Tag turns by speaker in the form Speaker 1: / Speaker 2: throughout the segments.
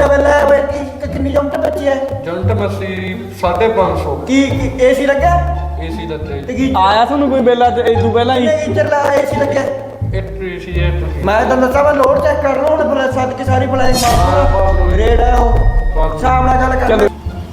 Speaker 1: ਕਿੰਨਾ ਬਿੱਲ ਹੈ ਓਏ ਕਿੰਨੀ ਜੰਟ ਬੱਚੀ ਹੈ
Speaker 2: ਜੰਟ ਮੱਸੀ 550
Speaker 1: ਕੀ ਏਸੀ ਲੱਗਿਆ
Speaker 2: ਏਸੀ ਲੱਗੇ
Speaker 1: ਤੇ ਕੀ
Speaker 3: ਆਇਆ ਤੁਹਾਨੂੰ ਕੋਈ ਬਿੱਲ ਅੱਜ ਇਹ ਤੋਂ ਪਹਿਲਾਂ ਹੀ
Speaker 1: ਇੰਜਰ ਲਾ ਏਸੀ ਲੱਗਿਆ
Speaker 2: ਇੱਕ ਏਸੀ ਹੈ ਤੁਸੀਂ
Speaker 1: ਮੈਂ ਤਾਂ ਦੱਸਾਂ ਮੈਂ ਲੋਡ ਚੈੱਕ ਕਰ ਰਿਹਾ ਹੁਣ ਸੱਦ ਕੇ ਸਾਰੀ ਬੁਲਾਈ ਮਾਰ ਰੇਡ ਹੈ ਉਹ ਸ਼ਾਮ ਨਾਲ ਗੱਲ ਕਰ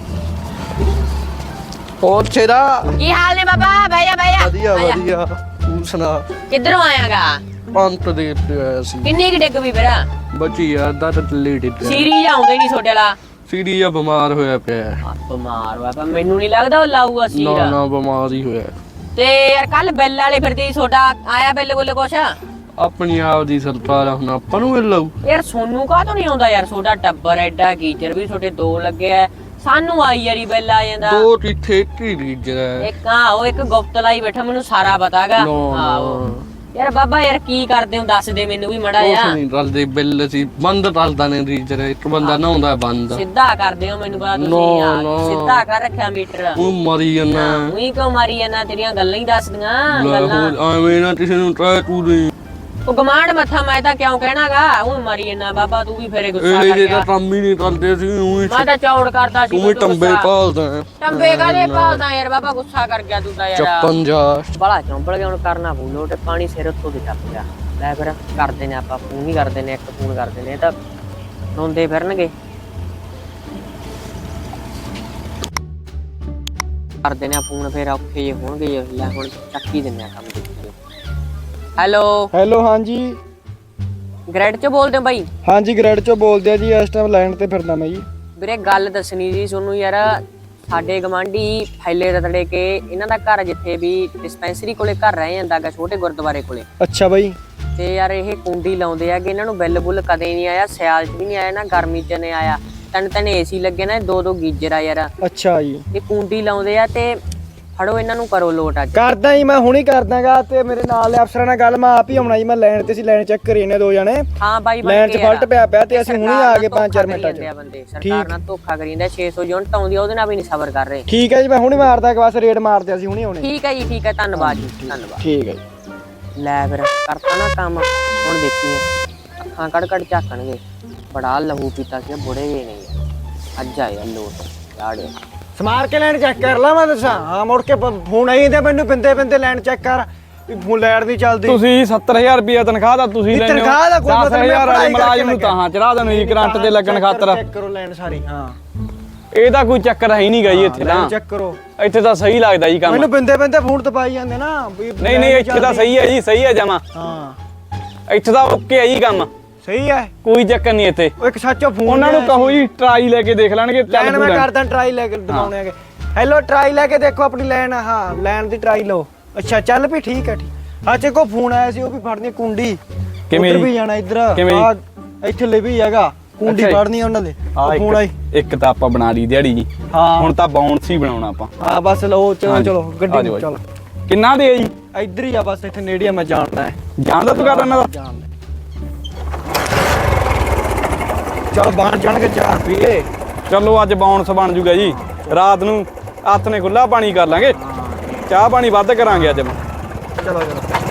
Speaker 4: ਹੋਰ ਛੇਰਾ
Speaker 5: ਕੀ ਹਾਲ ਨੇ ਬਾਬਾ ਭਈਆ
Speaker 4: ਵਧੀਆ ਵਧੀਆ ਤੂੰ ਸੁਣਾ
Speaker 5: ਕਿੱਧਰੋਂ ਆਇਆਗਾ
Speaker 4: ਪੰਤ ਦੇ ਤੇ ਆਇਆ ਸੀ
Speaker 5: ਕਿੰਨੇ ਕਿ ਡਿੱਗ ਵੀ ਮੇਰਾ
Speaker 4: ਬੱਚੀ ਯਾਰ ਦਾ ਤਾਂ ਲੇਟ ਹੀ
Speaker 5: ਸੀਰੀ ਆਉਂਦੇ ਨਹੀਂ ਛੋਟੇ ਵਾਲਾ
Speaker 4: ਸੀਰੀ ਆ ਬਿਮਾਰ ਹੋਇਆ ਪਿਆ
Speaker 5: ਬਿਮਾਰ ਹੋਇਆ ਪਰ ਮੈਨੂੰ ਨਹੀਂ ਲੱਗਦਾ ਉਹ ਲਾਊਗਾ
Speaker 4: ਨਾ
Speaker 5: ਸੀਰਾ
Speaker 4: ਨਾ ਬਿਮਾਰ ਹੀ ਹੋਇਆ
Speaker 5: ਤੇ ਯਾਰ ਕੱਲ ਬਿੱਲ ਵਾਲੇ ਫਿਰਦੇ ਛੋਟਾ ਆਇਆ ਬਿੱਲ ਕੋਲੇ ਕੁਛ
Speaker 4: ਆਪਣੀ ਆਪ ਦੀ ਸਰਕਾਰ ਆ, ਹੁਣ ਆਪਾਂ ਨੂੰ ਮਿਲ ਲਊ
Speaker 5: ਯਾਰ ਸੋਨੂੰ ਕਾਹ ਤੋਂ ਨਹੀਂ ਆਉਂਦਾ ਯਾਰ ਛੋਟਾ ਟੱਬਰ ਐਡਾ ਗੀਜਰ ਵੀ ਛੋਟੇ ਦੋ ਲੱਗੇ ਆ ਸਾਨੂੰ ਆਈ ਯਾਰੀ ਬਿੱਲ ਆ ਜਾਂਦਾ
Speaker 4: ਦੋ ਟਿੱਠੇ ਕੀ ਰੀਜਰ ਹੈ
Speaker 5: ਇੱਕ ਉਹ ਇੱਕ ਗੁਪਤ ਲਾਈ ਬੈਠਾ ਮੈਨੂੰ ਸਾਰਾ ਪਤਾਗਾ ਯਾਰ ਬਾਬਾ ਯਾਰ ਕੀ ਕਰਦੇ ਹੋ ਦੱਸ ਦੇ ਮੈਨੂੰ ਵੀ ਮੜਾ
Speaker 4: ਉਸ
Speaker 5: ਜਾ
Speaker 4: ਨਹੀਂ ਰਲਦੇ ਬਿੱਲ ਸੀ ਬੰਦ ਰਲਦਾ ਨੇ ਰੀਜਰ ਇੱਕ ਬੰਦਾ ਨਹਾਉਂਦਾ ਬੰਦ
Speaker 5: ਸਿੱਧਾ ਕਰਦੇ ਹੋ ਮੈਨੂੰ ਪਤਾ
Speaker 4: ਨਾ,
Speaker 5: ਤੁਸੀਂ ਯਾਰ
Speaker 4: ਨਾ।
Speaker 5: ਸਿੱਧਾ ਕਰ ਰੱਖਿਆ ਮੀਟਰ
Speaker 4: ਉਹ ਮਰੀ ਜਾਂਦਾ
Speaker 5: ਉਹੀ ਕਿਉਂ ਮਾਰੀ ਜਾਂਦਾ ਤੇਰੀਆਂ ਗੱਲਾਂ ਹੀ ਦੱਸਦੀਆਂ
Speaker 4: ਲੈ
Speaker 5: ਗੱਲਾਂ
Speaker 4: ਹੋਰ ਐਵੇਂ ਨਾ ਕਿਸੇ ਨੂੰ ਟਰਾਈ ਤੂੰ ਦੇ
Speaker 5: ਉਹ ਗਮਾਂਡ ਮੱਥਾ ਮੈਂ ਤਾਂ ਕਿਉਂ ਕਹਿਣਾਗਾ ਉਹ ਮਾਰੀ ਜਾਂਦਾ ਬਾਬਾ ਤੂੰ ਵੀ ਫੇਰੇ ਗੁੱਸਾ
Speaker 4: ਇਹ
Speaker 5: ਕਰ
Speaker 4: ਜੇ
Speaker 5: ਗਿਆ
Speaker 4: ਤਾਂ ਕੰਮ ਹੀ ਨਹੀਂ ਕਰਦੇ ਸੀ ਉਹੀ
Speaker 5: ਮੈਂ ਤਾਂ ਚੌੜ ਕਰਦਾ ਸੀ
Speaker 4: ਤੂੰ ਵੀ ਟੰਬੇ ਭਾਲਦਾ
Speaker 5: ਟੰਬੇ ਕਾਦੇ ਭਾਲਦਾ ਯਾਰ ਬਾਬਾ ਗੁੱਸਾ ਕਰ ਗਿਆ ਤੂੰ ਤਾਂ ਯਾਰ
Speaker 4: ਚੱਪਨ ਜਾ
Speaker 5: ਬੜਾ ਚੌਂਪਲ ਗਿਆ ਹੁਣ ਕਰਨਾ ਪਊ ਲੋਟ ਪਾਣੀ ਸਿਰ ਉੱਤੋਂ ਦੀ ਟੱਪ ਗਿਆ ਲੈ ਫਿਰ ਕਰਦੇ ਨੇ ਆਪਾਂ ਫੋਨ ਹੀ ਕਰਦੇ ਨੇ ਇੱਕ ਫੋਨ ਕਰਦੇ ਨੇ ਇਹ ਤਾਂ ਰੋਂਦੇ ਫਿਰਨਗੇ ਕਰਦੇ ਨੇ ਫੋਨ ਫਿਰ ਔਖੇ ਜੇ ਹੋਣਗੇ ਲੈ ਹੁਣ ਚੱਕੀ ਦਿੰਨੇ ਆ ਕੰਮ ਦੇ ਹੈਲੋ
Speaker 3: ਹਾਂਜੀ
Speaker 5: ਗ੍ਰੈਡ ਚੋਂ ਬੋਲਦੇ ਹੋ ਬਾਈ
Speaker 3: ਹਾਂਜੀ ਗ੍ਰੈਡ ਚੋਂ ਬੋਲਦੇ ਆ ਜੀ ਇਸ ਟਾਈਮ ਲਾਈਨ ਤੇ ਫਿਰਦਾ ਮੈਂ ਜੀ
Speaker 5: ਵੀਰੇ ਗੱਲ ਦੱਸਣੀ ਸੀ ਤੁਹਾਨੂੰ ਯਾਰ ਸਾਡੇ ਗਵਾਂਢੀ ਫੈਲੇ ਰਤੜੇ ਕੇ ਇਹਨਾਂ ਦਾ ਘਰ ਜਿੱਥੇ ਵੀ ਡਿਸਪੈਂਸਰੀ ਕੋਲੇ ਘਰ ਰਹਿ ਜਾਂਦਾਗਾ ਛੋਟੇ ਗੁਰਦੁਆਰੇ ਕੋਲੇ
Speaker 3: ਅੱਛਾ ਬਾਈ
Speaker 5: ਤੇ ਯਾਰ ਇਹ ਕੁੰਡੀ ਲਾਉਂਦੇ ਆਗੇ ਇਹਨਾਂ ਨੂੰ ਬਿੱਲ ਬੁੱਲ ਕਦੇ ਨਹੀਂ ਆਇਆ ਸਿਆਲ 'ਚ ਵੀ ਨਹੀਂ ਆਇਆ ਨਾ ਗਰਮੀ 'ਚ ਨਹੀਂ ਆਇਆ ਤਿੰਨ ਏਸੀ ਲੱਗੇ ਨਾ ਦੋ ਦੋ ਗੀਜ਼ਰ ਆ ਯਾਰ
Speaker 3: ਅੱਛਾ ਜੀ
Speaker 5: ਇਹ ਕੁੰਡੀ ਲਾਉਂਦੇ ਆ ਤੇ ਫੜੋ ਇਹਨਾਂ ਨੂੰ ਕਰੋ ਲੋਟ ਅੱਜ
Speaker 3: ਕਰਦਾ ਜੀ ਮੈਂ ਹੁਣੀ ਕਰਦਾਗਾ ਤੇ ਮੇਰੇ ਨਾਲ ਦੇ ਅਫਸਰਾਂ ਨਾਲ ਗੱਲ ਮੈਂ ਆਪ ਹੀ ਆਉਣਾ ਜੀ ਮੈਂ ਲਾਈਨ ਤੇ ਸੀ ਲਾਈਨ ਚੈੱਕ ਕਰੀ ਇਹਨੇ ਦੋ ਜਣੇ
Speaker 5: ਹਾਂ ਬਾਈ
Speaker 3: ਲਾਈਨ 'ਚ ਫਲਟ ਪਿਆ ਤੇ ਅਸੀਂ ਹੁਣੀ ਆ ਗਏ 5-4 ਮਿੰਟਾਂ 'ਚ
Speaker 5: ਬੰਦੇ ਸਰਕਾਰ ਨਾਲ ਧੋਖਾ ਕਰੀ ਜਾਂਦਾ 600 ਯੂਨਿਟ ਆਉਂਦੀ ਆ ਉਹਦੇ ਨਾਲ ਵੀ ਨਹੀਂ ਸਬਰ ਕਰ ਰਹੇ
Speaker 3: ਠੀਕ ਹੈ ਜੀ ਮੈਂ ਹੁਣੀ ਮਾਰਦਾ ਕਿ ਬਸ ਰੇਡ ਮਾਰਦੇ ਅਸੀਂ ਹੁਣੀ ਆਉਣੇ
Speaker 5: ਠੀਕ ਹੈ ਜੀ ਠੀਕ ਹੈ ਧੰਨਵਾਦ ਜੀ ਧੰਨਵਾਦ
Speaker 3: ਠੀਕ ਹੈ ਜੀ
Speaker 5: ਲੈ ਫਿਰ ਕਰਤਾ ਨਾ ਕੰਮ ਹੁਣ ਦੇਖੀਏ ਅੱਖਾਂ ਕੜ ਝਾਕਣਗੇ ਬੜਾ ਲਹੂ ਪੀਤਾ ਸੀ ਬੁੜੇ ਜੇ ਨਹੀਂ ਅੱਜ ਆਇਆ ਲੋਟ ਝਾੜਿਆ
Speaker 3: ਸਮਾਰ ਕੇ ਲਾਈਨ ਚੈੱਕ ਕਰ ਲਾ ਮੈਂ ਦੱਸਾਂ ਹਾਂ ਮੁੜ ਕੇ ਫੋਨ ਆਈ ਤੇ ਮੈਨੂੰ ਪਿੰਦੇ ਲਾਈਨ ਚੈੱਕ ਕਰ ਵੀ ਫੋਨ ਲਾਈਟ ਨਹੀਂ ਚੱਲਦੀ
Speaker 6: ਤੁਸੀਂ 70000 ਰੁਪਏ ਤਨਖਾਹ ਦਾ ਤੁਸੀਂ ਲੈਣੇ ਹੋ
Speaker 3: ਤਨਖਾਹ ਦਾ ਕੋਈ ਮਤਲਬ
Speaker 6: 10000 ਵਾਲੇ ਮੁਲਾਜ਼ਮ ਨੂੰ ਤਾਂ ਚੜਾ ਦੇਣ ਜੀ ਕਰੰਟ ਤੇ ਲੱਗਣ ਖਾਤਰ
Speaker 3: ਚੈੱਕ ਕਰੋ ਲਾਈਨ ਸਾਰੀ ਹਾਂ
Speaker 6: ਇਹ ਤਾਂ ਕੋਈ ਚੱਕਰ ਹੈ ਹੀ ਨਹੀਂ ਗਈ ਇੱਥੇ ਤਾਂ
Speaker 3: ਚੈੱਕ ਕਰੋ
Speaker 6: ਇੱਥੇ ਤਾਂ ਸਹੀ ਲੱਗਦਾ ਜੀ ਕੰਮ
Speaker 3: ਮੈਨੂੰ ਪਿੰਦੇ ਫੋਨ ਤਪਾਈ ਜਾਂਦੇ ਨਾ ਵੀ
Speaker 6: ਨਹੀਂ ਇੱਥੇ ਤਾਂ ਸਹੀ ਹੈ ਜੀ ਸਹੀ ਹੈ ਜਮਾ
Speaker 3: ਹਾਂ
Speaker 6: ਇੱਥੇ ਤਾਂ ਓਕੇ ਹੈ ਜੀ ਕੰਮ
Speaker 3: ਸਹੀ ਹੈ
Speaker 6: ਕੋਈ ਚੱਕਰ ਨਹੀਂ ਇੱਥੇ
Speaker 3: ਉਹ ਇੱਕ ਸੱਚੋ ਫੋਨ
Speaker 6: ਉਹਨਾਂ ਨੂੰ ਕਹੋ ਜੀ ਟਰਾਈ ਲੈ ਕੇ ਦੇਖ ਲੈਣਗੇ
Speaker 3: ਲਾਈਨ ਮੈਂ ਕਰਦਾ ਟਰਾਈ ਲੈ ਕੇ ਦਿਖਾਉਣੇ ਆਗੇ ਹੈਲੋ ਟਰਾਈ ਲੈ ਕੇ ਦੇਖੋ ਆਪਣੀ ਲਾਈਨ ਹਾਂ ਲਾਈਨ ਦੀ ਟਰਾਈ ਲਓ ਅੱਛਾ ਚੱਲ ਵੀ ਠੀਕ ਹੈ ਅੱਛਾ ਕੋ ਫੋਨ ਆਇਆ ਸੀ ਉਹ ਵੀ ਫੜਨੀ ਕੁੰਡੀ
Speaker 6: ਕਿਵੇਂ
Speaker 3: ਵੀ ਜਾਣਾ ਇੱਧਰ ਇੱਥੇ ਲੈ ਵੀ ਹੈਗਾ ਕੁੰਡੀ ਫੜਨੀ ਉਹਨਾਂ ਦੇ ਫੋਨ ਆਈ
Speaker 6: ਇੱਕ ਤਾਂ ਆਪਾਂ ਬਣਾ ਲਈ ਦਿਹਾੜੀ ਜੀ
Speaker 3: ਹਾਂ
Speaker 6: ਹੁਣ ਤਾਂ ਬਾਉਂਸ ਹੀ ਬਣਾਉਣਾ ਆਪਾਂ
Speaker 3: ਹਾਂ ਬਸ ਲਓ ਚਲੋ ਗੱਡੀ ਨੂੰ ਚਲੋ
Speaker 6: ਕਿੰਨਾ ਦੇ ਜੀ
Speaker 3: ਇੱਧਰ ਹੀ ਆ ਬਸ ਇੱਥੇ ਨੇੜੇ ਆ ਮੈਂ ਜਾਣਦਾ ਹੈ
Speaker 6: ਜਾਣਦਾ ਤੂੰ ਕਰ ਇਹਨਾਂ ਦਾ
Speaker 3: ਜਾਣ ਲੈ ਚਲ ਬਾਹਰ ਜਾਣਗੇ 4 ਰੁਪਏ
Speaker 6: ਚਲੋ ਅੱਜ ਬਾਉਂਸ ਬਣ ਜੂਗਾ ਜੀ ਰਾਤ ਨੂੰ ਹੱਥ ਨੇ ਖੁੱਲਾ ਪਾਣੀ ਕਰ ਲਾਂਗੇ ਚਾਹ ਪਾਣੀ ਵੱਧ ਕਰਾਂਗੇ ਅੱਜ
Speaker 3: ਚਲੋ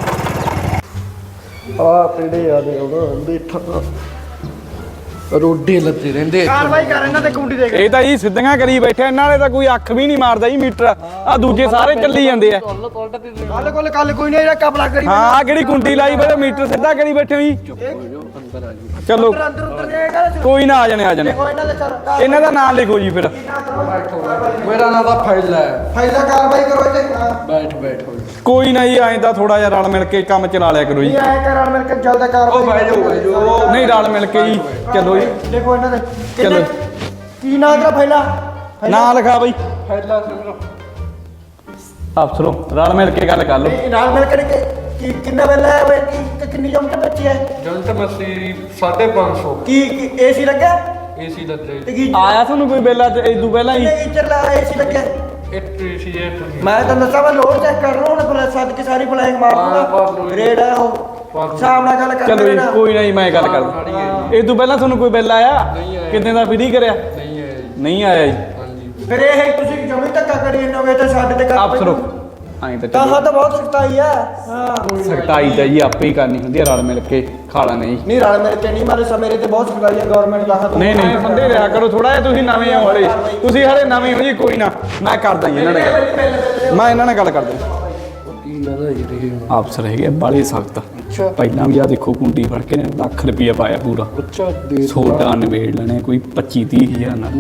Speaker 3: ਆ ਪੀੜੇ ਯਾਦ ਆਉਂਦਾ ਦੇਖਾ
Speaker 4: ਰੋਡੇ ਲੱਤੇ ਰਹਿੰਦੇ
Speaker 3: ਕਾਰਵਾਈ ਕਰ ਇਹਨਾਂ ਤੇ ਕੁੰਡੀ ਦੇ
Speaker 6: ਇਹ ਤਾਂ ਜੀ ਸਿੱਧੀਆਂ ਕਰੀ ਬੈਠੇ ਇਹਨਾਂ ਵਾਲੇ ਤਾਂ ਕੋਈ ਅੱਖ ਵੀ ਨਹੀਂ ਮਾਰਦਾ ਜੀ ਮੀਟਰ ਆ ਦੂਜੇ ਸਾਰੇ ਚੱਲੀ ਜਾਂਦੇ ਆ
Speaker 3: ਕੱਲ ਕੋਈ ਨਹੀਂ ਜਿਹੜਾ ਕਪੜਾ ਕਰੀ
Speaker 6: ਹਾਂ ਆ ਕਿਹੜੀ ਕੁੰਡੀ ਲਾਈ ਬੜੇ ਮੀਟਰ ਸਿੱਧਾ ਕਰੀ ਬੈਠੇ ਹੋ ਜੀ ਚਲੋ ਕੋਈ ਨਾ ਆ ਜਾਣੇ ਇਹਨਾਂ ਦਾ ਨਾਮ ਲਿਖੋ ਜੀ ਫਿਰ
Speaker 4: ਮੇਰਾ ਨਾਮ ਤਾਂ ਫੈਲਾ ਹੈ
Speaker 3: ਫਾਇਦਾ ਕਾਰਵਾਈ ਕਰੋ ਇੱਥੇ
Speaker 4: ਬੈਠ
Speaker 6: ਕੋਈ ਨਾ ਜੀ ਐਂ ਤਾਂ ਥੋੜਾ ਜਿਹਾ ਰਲ ਮਿਲ ਕੇ ਕੰਮ ਚਲਾ ਲਿਆ ਕਰੋ ਜੀ
Speaker 3: ਐ ਕਰਨ ਮਿਲ ਕੇ ਜਲਦਾ ਕਾਰਵਾਈ
Speaker 6: ਨਹੀਂ ਰਲ ਮਿਲ ਕੇ ਜੀ ਚਲੋ ਜੀ
Speaker 3: ਦੇਖੋ ਇਹਨਾਂ ਦੇ
Speaker 6: ਚਲੋ
Speaker 3: ਕੀ ਨਾਂ ਤੇਰਾ ਫੈਲਾ
Speaker 6: ਨਾਂ ਲਿਖਾ ਬਈ
Speaker 4: ਫੈਲਾ ਸਿਮਰੋ
Speaker 6: ਅਫਸਰੋ ਰਲ ਮਿਲ ਕੇ ਗੱਲ ਕਰ ਲਓ
Speaker 1: ਨਾਲ ਮਿਲ ਕੇ ਕਿੰਨਾ ਬਿੱਲ ਹੈ ਓਏ ਕਿੰਨੀ ਜੰਟ ਬੱਚੀ ਹੈ
Speaker 2: ਜੰਟ ਮੱਸੀ 550
Speaker 1: ਕੀ ਏਸੀ ਲੱਗਿਆ
Speaker 2: ਏਸੀ ਲੱਗੇ
Speaker 1: ਤੇ ਕੀ
Speaker 6: ਆਇਆ ਤੁਹਾਨੂੰ ਕੋਈ ਬਿੱਲ ਅੱਜ ਇਹ ਤੋਂ ਪਹਿਲਾਂ ਹੀ
Speaker 1: ਇੰਜਰ ਲਾ ਏਸੀ ਲੱਗਿਆ
Speaker 2: ਇੱਕ ਏਸੀ ਹੈ ਤੁਸੀਂ
Speaker 1: ਮੈਂ ਤਾਂ ਦੱਸਾਂ ਮੈਂ ਲੋਡ ਚੈੱਕ ਕਰ ਰਿਹਾ ਹੁਣ ਸੱਦ ਕੇ ਸਾਰੀ ਬੁਲਾਈ ਮਾਰ ਰੇਡ ਹੈ ਉਹ ਸ਼ਾਮ ਨਾਲ ਗੱਲ ਕਰ
Speaker 6: ਚਲੋ ਜੀ ਕੋਈ ਨਹੀਂ ਮੈਂ ਗੱਲ ਕਰਦਾ ਇਹ ਤੋਂ ਪਹਿਲਾਂ ਤੁਹਾਨੂੰ ਕੋਈ ਬਿੱਲ ਆਇਆ ਕਿੰਨੇ ਦਾ ਫ੍ਰੀ ਕਰਿਆ
Speaker 2: ਨਹੀਂ ਹੈ
Speaker 6: ਨਹੀਂ ਆਇਆ ਜੀ
Speaker 2: ਹਾਂਜੀ
Speaker 1: ਫਿਰ ਇਹ ਤੁਸੀਂ ਜਮੀ ਧੱਕਾ ਕਰੀ ਜਾਂਦੇ ਹੋਗੇ ਤਾਂ ਸਾਡੇ ਤੇ
Speaker 6: ਅਫਸਰੋ ਐਂ ਤਾਂ
Speaker 1: ਤਾਂ
Speaker 6: ਚਲੋ
Speaker 1: ਤਾਂ ਬਹੁਤ ਸਖਤਾਈ ਆ ਹਾਂ
Speaker 6: ਸਖਤਾਈ ਤਾਂ ਜੀ ਆਪੇ ਹੀ ਕਰਨੀ ਹੁੰਦੀ ਆ, ਰਲ ਮਿਲ ਕੇ ਖਾਲਾ ਨਹੀਂ।
Speaker 1: ਨਹੀਂ ਰਲ ਮੇਰੇ ਤੇ ਨਹੀਂ ਮਾਰੇ ਮੇਰੇ ਤੇ ਬਹੁਤ ਸਖਤਾਈ ਆ ਗਵਰਨਮੈਂਟ ਦਾ ਹੱਥ
Speaker 6: ਨਹੀਂ ਨਹੀਂ ਬੰਦੇ ਰਿਹਾ ਕਰੋ ਥੋੜਾ ਜਿਹਾ, ਤੁਸੀਂ ਨਵੇਂ ਹੋ ਹਲੇ, ਤੁਸੀਂ ਹਲੇ ਨਵੇਂ ਹੋ ਜੀ। ਕੋਈ ਨਾ ਮੈਂ ਕਰਦਾ ਜੀ ਇਹਨਾਂ ਨਾਲ ਗੱਲ, ਮੈਂ ਇਹਨਾਂ ਨਾਲ ਗੱਲ ਕਰਦਾ। ਅਫਸਰ ਹੈਗੇ ਬਾਲੇ ਸਖਤ, ਪਹਿਲਾਂ ਵੀ ਆ ਦੇਖੋ ਕੁੰਡੀ ਫੜ ਕੇ ਲੱਖ ਰੁਪਇਆ ਪਾਇਆ ਪੂਰਾ। ਸੋਡਾ ਨਿਬੇੜ ਲੈਣੇ ਕੋਈ 25-30 ਹਜ਼ਾਰ ਨਾਲ,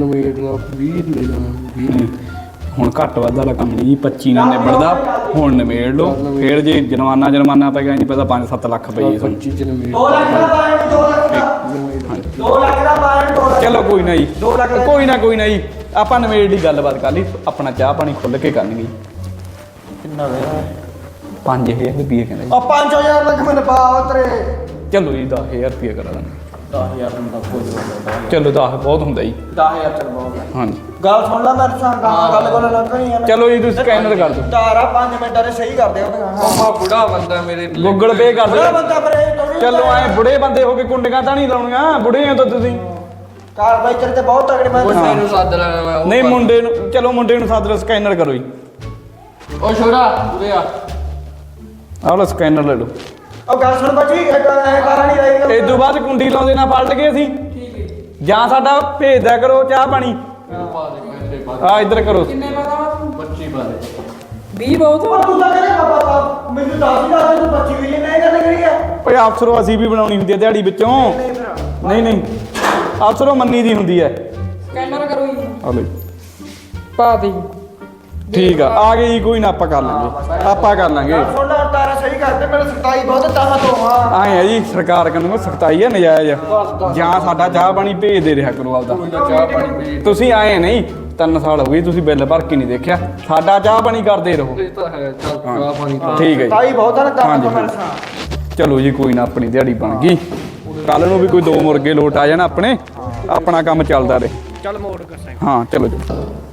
Speaker 6: ਹੁਣ ਘੱਟ ਵੱਧ ਵਾਲਾ ਕੰਮ ਨਹੀਂ ਜੀ। 25 ਨਾਲ ਨਿਬੜਦਾ, ਹੁਣ ਨਿਬੇੜ ਲਓ। ਫਿਰ ਜੇ ਜੁਰਮਾਨਾ ਪੈ ਗਿਆ ਨਹੀਂ ਪਤਾ 5-7 ਲੱਖ ਪਈ ਤੁਹਾਨੂੰ।
Speaker 1: 2 ਲੱਖ ਦਾ ਪਾਇਆ 2 ਲੱਖ ਦਾ 2 ਲੱਖ ਦਾ ਪਾਇਆ 2 ਲੱਖ
Speaker 6: ਚਲੋ ਕੋਈ ਨਾ ਜੀ,
Speaker 1: 2 ਲੱਖ ਦਾ
Speaker 6: ਕੋਈ ਨਾ ਜੀ, ਆਪਾਂ ਨਿਬੇੜ ਦੀ ਗੱਲਬਾਤ ਕਰ ਲਈ, ਆਪਣਾ ਚਾਹ ਪਾਣੀ ਖੁੱਲ ਕੇ ਕਰਨਗੇ।
Speaker 1: ਕਿੰਨਾ ਵੇ
Speaker 6: 5000 ਰੁਪਏ ਕਹਿੰਦਾ ਜੀ।
Speaker 1: 5000 ਲੱਖ ਮੈਨੂੰ ਪਾ ਉਤਰੇ
Speaker 6: ਚਲੋ ਜੀ 10000 ਰੁਪਏ ਕਰਾ ਦਾਂਗੇ।
Speaker 1: 10000 ਹੁੰਦਾ ਕੋਈ
Speaker 6: ਚਲੋ 10 ਬਹੁਤ ਹੁੰਦਾ ਜੀ।
Speaker 1: 10000 ਚੱਲ ਬਹੁਤ
Speaker 6: ਹਾਂਜੀ
Speaker 1: ਗੱਲ ਸੁਣ ਲੈ ਮੈਂ ਸੰਗਾ ਗੱਲ ਕੋਲ ਲੰਘਣੀ ਆ
Speaker 6: ਚਲੋ ਜੀ ਤੁਸੀਂ ਸਕੈਨਰ ਕਰ ਦਿਓ,
Speaker 1: ਤਾਰਾ 5 ਮਿੰਟਾਂ ਦੇ ਸਹੀ ਕਰ ਦਿਓ
Speaker 2: ਮਾਮਾ ਬੁੜਾ ਬੰਦਾ ਮੇਰੇ
Speaker 6: ਗੂਗਲ ਪੇ ਕਰ
Speaker 1: ਬੜਾ
Speaker 6: ਦਿਓ।
Speaker 1: ਬੰਦਾ ਬਰੇ
Speaker 6: ਚਲੋ ਐ ਬੁੜੇ ਬੰਦੇ ਹੋ ਕੇ ਕੁੰਡੀਆਂ ਤਾਂ ਨਹੀਂ ਲਾਉਣੀਆਂ, ਬੁੜੇ ਹੋ ਤਾਂ ਤੁਸੀਂ।
Speaker 1: ਕਾਰਵਾਈ ਤੇਰੇ ਤੇ ਬਹੁਤ ਤਗੜੇ ਮੈਂ
Speaker 2: ਮੁੰਡੇ ਨੂੰ ਸੱਦ ਲੈਣਾ ਮੈਂ ਉਹ
Speaker 6: ਨਹੀਂ ਮੁੰਡੇ ਨੂੰ, ਚਲੋ ਮੁੰਡੇ ਨੂੰ ਸੱਦ ਲਓ, ਸਕੈਨਰ ਕਰੋ ਜੀ।
Speaker 2: ਉਹ ਛੋਰਾ ਉਰੇ ਆ।
Speaker 6: ਆਹ ਲਓ ਸਕੈਨਰ ਲੈ ਲਓ।
Speaker 1: ਉਹ ਗੱਲ ਸੁਣ ਬੱਚੀ ਐ ਕਾਰਨ ਨਹੀਂ ਰਹੀ
Speaker 6: ਇਸ ਤੋਂ ਬਾਅਦ ਕੁੰਡੀ ਲਾਉਂਦੇ ਨਾ ਪਲਟ ਗਏ ਅਸੀਂ, ਜਾਂ ਸਾਡਾ ਭੇਜ ਦਿਆ ਕਰੋ ਚਾਹ ਪਾਣੀ। ਆ ਇੱਧਰ ਕਰੋ।
Speaker 2: ਕਿੰਨੇ ਬਾਰੇ 25 ਬਾਰੇ
Speaker 5: 20 ਬਹੁਤ
Speaker 1: ਉਹ ਤੂੰ ਤਾਂ ਕਹਿੰਦਾ ਬਾਬਾ ਮੈਨੂੰ 10 ਹੀ ਦੱਸ ਤੂੰ 25 ਵੀ ਨਹੀਂ ਗੱਲ ਕਰੀ ਆ
Speaker 6: ਓਏ ਅਫਸਰੋ ਅਸੀਂ ਵੀ ਬਣਾਉਣੀ ਹੁੰਦੀ ਹੈ ਦਿਹਾੜੀ ਵਿੱਚੋਂ। ਨਹੀਂ ਅਫਸਰੋ ਮੰਨੀ ਦੀ ਹੁੰਦੀ ਹੈ।
Speaker 5: ਸਕੈਨਰ ਕਰੋ ਜੀ,
Speaker 6: ਆ ਲਓ ਜੀ।
Speaker 5: ਪਾ ਦੇ।
Speaker 6: ਠੀਕ ਆ ਗਈ ਜੀ, ਕੋਈ ਨਾ ਆਪਾਂ ਕਰ ਲਾਂਗੇ, ਆਪਾਂ ਕਰ ਲਾਂਗੇ।
Speaker 1: ਸੁਣ ਲੈ ਤਾਰਾ ਸਹੀ ਕਰਦੇ ਮੈਨੂੰ ਸਖਤਾਈ ਬਹੁਤ ਤਾਹਾਂ ਤੋਂ ਹਾਂ
Speaker 6: ਆਏ ਆ ਜੀ, ਸਰਕਾਰ ਕਹਿੰਦੇ ਸਖਤਾਈ ਹੈ ਨਜਾਇਜ਼, ਜਾਂ ਸਾਡਾ ਚਾਹ ਪਾਣੀ ਭੇਜ ਦੇ ਰਿਹਾ ਕਰੋ ਆਪਦਾ।
Speaker 2: ਚਾਹ ਪਾਣੀ ਪੀ।
Speaker 6: ਤੁਸੀਂ ਆਏ ਨਹੀਂ 3 ਸਾਲ ਹੋ ਗਏ, ਤੁਸੀਂ ਬਿੱਲ ਭਰ ਕੇ ਨਹੀਂ ਦੇਖਿਆ, ਸਾਡਾ ਚਾਹ ਪਾਣੀ ਕਰਦੇ ਰਹੋ।
Speaker 2: ਇਹ ਤਾਂ ਹੈ ਚੱਲ ਚਾਹ ਪਾਣੀ ਪਾ।
Speaker 6: ਠੀਕ ਹੈ ਜੀ,
Speaker 1: ਤਾਈ ਬਹੁਤ ਆ ਨਾ ਤਾਹਾਂ ਤੋਂ
Speaker 6: ਹਾਂਜੀ।
Speaker 1: ਮੇਰੇ ਸਾਹ
Speaker 6: ਚਲੋ ਜੀ ਕੋਈ ਨਾ, ਆਪਣੀ ਦਿਹਾੜੀ ਬਣ ਗਈ। ਕੱਲ ਨੂੰ ਵੀ ਕੋਈ 2 ਮੁਰਗੇ ਲੋਟ ਆ ਜਾਣ ਆਪਣੇ, ਆਪਣਾ ਕੰਮ ਚੱਲਦਾ ਰਹੇ।
Speaker 3: ਚੱਲ ਮੋੜ ਕਰ ਸਾਈਂ।
Speaker 6: ਹਾਂ ਚਲੋ ਜੀ।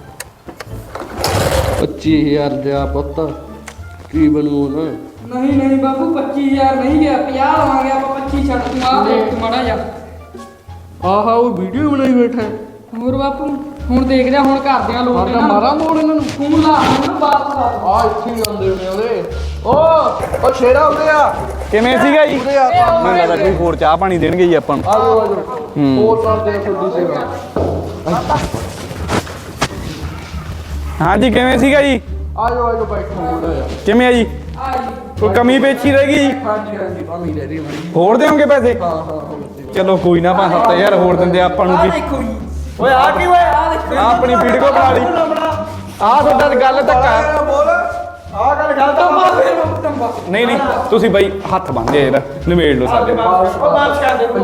Speaker 2: 25000 ਦਿਆ ਪੁੱਤ ਕੀ ਬਣੂ ਨਾ।
Speaker 7: ਨਹੀਂ ਬਾਬੂ 25000 ਨਹੀਂ ਗਿਆ 50 ਲਵਾਂਗੇ ਆਪਾਂ 25 ਛੱਡ ਤੂੰ ਆ ਦੇਖ ਤੂੰ ਮਾੜਾ ਜਾ।
Speaker 2: ਆਹਾ ਉਹ ਵੀਡੀਓ ਬਣਾਈ ਬੈਠਾ ਹੈ।
Speaker 7: ਹੋਰ ਬਾਪੂ ਹੁਣ ਦੇਖ ਜਾ ਹੁਣ ਘਰਦਿਆਂ ਲੋਕ
Speaker 2: ਮਾਰਾ ਮਾਰਾ ਮੋੜ ਇਹਨਾਂ ਨੂੰ।
Speaker 7: ਫੋਨ ਲਾ ਮੈਨੂੰ ਬਾਤ ਲਾ
Speaker 2: ਆ ਇੱਥੇ ਹੀ ਆਉਂਦੇ ਨੇ ਉਹਦੇ। ਉਹ ਸ਼ੇਰਾ ਉਰੇ ਆ।
Speaker 6: ਕਿਵੇਂ ਸੀਗਾ ਜੀ? ਮੈਨੂੰ ਲੱਗਦਾ ਕੋਈ ਹੋਰ ਚਾਹ ਪਾਣੀ ਦੇਣਗੇ ਜੀ ਆਪਾਂ ਨੂੰ।
Speaker 2: ਆ ਜਾਓ ਹੋਰ ਕਰਦੇ ਆ ਤੁਹਾਡੀ ਸੇਵਾ।
Speaker 6: ਹਾਂਜੀ ਕਿਵੇਂ ਸੀਗਾ ਜੀ?
Speaker 2: ਆ ਜਾਓ ਬੈਠੋ ਮੋੜਾ ਆ।
Speaker 6: ਕਿਵੇਂ ਆ ਜੀ? ਕੋਈ ਕਮੀ ਪੇਚੀ ਰਹਿ ਗਈ ਜੀ?
Speaker 2: ਹਾਂਜੀ ਭਾਵੇਂ ਲੈ ਰਹੀ ਬੜੀ।
Speaker 6: ਹੋਰ ਦੇਵੋਗੇ ਪੈਸੇ?
Speaker 2: ਹਾਂ
Speaker 6: ਚਲੋ ਕੋਈ ਨਾ 5-7000 ਹੋਰ ਦਿੰਦੇ ਆਪਾਂ ਨੂੰ ਕੀ।
Speaker 1: ਓਏ ਆ ਕੀ ਓਏ ਆ ਦੇਖ
Speaker 6: ਆਹ ਆਪਣੀ ਵੀਡੀਓ ਬਣਾ ਲਈ। ਆਹ ਤੁਹਾਡਾ ਗੱਲ ਧੱਕਾ।
Speaker 1: ਬੋਲ ਆ ਗੱਲ ਗਲਤ ਆ
Speaker 6: ਨਹੀਂ ਤੁਸੀਂ ਬਾਈ ਹੱਥ ਬੰਨ੍ਹਦੇ ਯਾਰ, ਨਿਬੇੜ ਲਓ ਸਾਡੇ ਨਾਲ।
Speaker 1: ਉਹ ਵਾਪਸ ਕਰ ਦੇ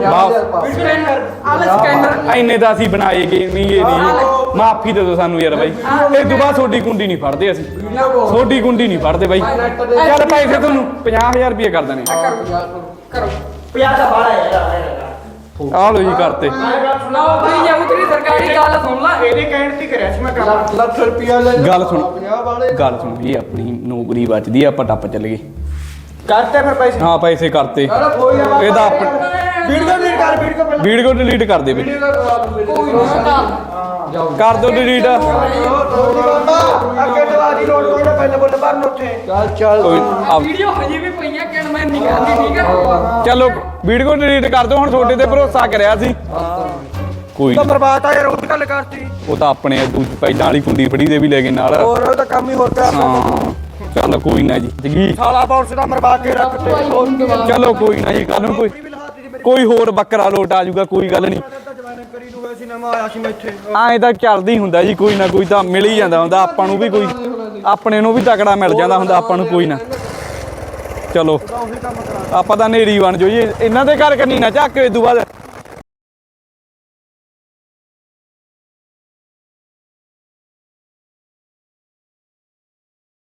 Speaker 6: ਇੰਨੇ ਤਾਂ ਅਸੀਂ ਬਣਾਏ ਗਏ ਨਹੀਂ, ਇਹ ਨਹੀਂ ਮਾਫੀ ਦੇ ਦਿਓ ਸਾਨੂੰ ਯਾਰ ਬਾਈ। ਇਹ ਤੋਂ ਬਾਅਦ ਤੁਹਾਡੀ ਕੁੰਡੀ ਨਹੀਂ ਫੜਦੇ ਅਸੀਂ, ਤੁਹਾਡੀ ਕੁੰਡੀ ਨਹੀਂ ਫੜਦੇ ਬਾਈ। ਚੱਲ ਪੈਸੇ ਤੁਹਾਨੂੰ 50000 ਰੁਪਏ ਕਰ ਦੇਣੇ।
Speaker 7: ਕਰੋ
Speaker 1: 50 ਦਾ ਬਾੜਾ ਯਾਰ
Speaker 6: ਆਹ ਲਓ ਜੀ ਕਰਤੇ।
Speaker 7: ਲਓ ਭਈ ਜਾਊ ਤੇਰੀ ਸਰਕਾਰੀ ਗੱਲ ਸੁਣ ਲੈ।
Speaker 1: ਇਹਦੇ ਕਹਿਣ ਤੇ ਕਰਿਆ ਸੀ ਮੈਂ ਕੰਮ
Speaker 2: ਲੱਖ ਰੁਪਿਆ ਲੈ
Speaker 6: ਗੱਲ ਸੁਣ ਜੀ, ਆਪਣੀ ਨੌਕਰੀ ਬਚਦੀ ਆ, ਆਪਾਂ ਟੱਪ ਚੱਲ ਗਏ।
Speaker 1: ਕਰਤੇ ਫਿਰ ਪੈਸੇ
Speaker 6: ਹਾਂ ਪੈਸੇ ਕਰਤੇ। ਇਹਦਾ ਆਪਣਾ
Speaker 1: ਵੀਡੀਓ ਡਿਲੀਟ ਕਰ ਵੀਡੀਓ ਪਹਿਲਾਂ
Speaker 6: ਵੀਡੀਓ ਡਿਲੀਟ ਕਰ ਦੇ ਬਈ,
Speaker 7: ਕੋਈ ਨਾ
Speaker 6: ਕਰ ਦਿਓ ਡਿਲੀਟ।
Speaker 1: ਅੱਗੇ ਦਵਾਦੀ ਲੋਡ ਕੋਈ ਨਾ ਪਹਿਲਾਂ ਬੋਲ ਭਰਨ ਉੱਥੇ
Speaker 6: ਕੋਈ
Speaker 7: ਵੀਡੀਓ ਹਜੇ ਵੀ ਪਈਆਂ ਕਿਣ ਮੈਂ ਨਹੀਂ ਕਰਦੀ ਠੀਕ ਆ।
Speaker 6: ਚਲੋ ਵੀਡੀਓ ਡਿਲੀਟ ਕਰ ਦਿਓ, ਹੁਣ ਤੁਹਾਡੇ ਤੇ ਭਰੋਸਾ ਕਰਿਆ ਸੀ। ਕੋਈ
Speaker 1: ਤਾਂ
Speaker 6: ਨੀ,
Speaker 1: ਬਰਬਾਦ ਆ ਯਾਰ ਉਹ ਗੱਲ ਕਰਤੀ
Speaker 6: ਉਹ ਤਾਂ ਆਪਣੇ ਪਹਿਲਾਂ ਵਾਲੀ ਕੁੰਡੀ ਫੜੀ ਦੇ ਵੀ ਲੈ ਗਏ ਨਾਲ।
Speaker 1: ਹੋਰ ਉਹ ਤਾਂ ਕੰਮ ਹੀ ਹੋਰ ਪਿਆ
Speaker 6: ਹਾਂ ਚੱਲ ਕੋਈ ਨਾ ਜੀ ਜੀ।
Speaker 1: ਸਾਲਾ ਬਾਉਸ ਦਾ ਮਰਵਾ ਕੇ ਰੱਖਤੇ
Speaker 6: ਚਲੋ ਕੋਈ ਨਾ ਜੀ, ਕੱਲ ਨੂੰ ਕੋਈ ਹੋਰ ਬੱਕਰਾ ਲੋਟ ਆ ਜਾਊਗਾ, ਕੋਈ ਗੱਲ ਨਹੀਂ।
Speaker 1: ਕਰੀ ਨੂੰ ਵੈਸੀ ਨਵਾਂ ਆਇਆ ਸੀ ਮੈਂ ਇੱਥੇ
Speaker 6: ਐਂ ਤਾਂ ਚੱਲਦੀ ਹੁੰਦਾ ਜੀ, ਕੋਈ ਨਾ ਕੋਈ ਤਾਂ ਮਿਲ ਹੀ ਜਾਂਦਾ ਹੁੰਦਾ ਆਪਾਂ ਨੂੰ ਵੀ, ਕੋਈ ਆਪਣੇ ਨੂੰ ਵੀ ਤਕੜਾ ਮਿਲ ਜਾਂਦਾ ਹੁੰਦਾ ਆਪਾਂ ਨੂੰ। ਕੋਈ ਨਾ ਚਲੋ ਆਪਾਂ ਤਾਂ ਨੇਰੀ ਬਣ ਜੋ ਜੀ, ਇਹਨਾਂ ਦੇ ਘਰ ਕੰਨੀ ਨਾ ਝਾਕੇ। ਇਸ ਤੋਂ ਬਾਅਦ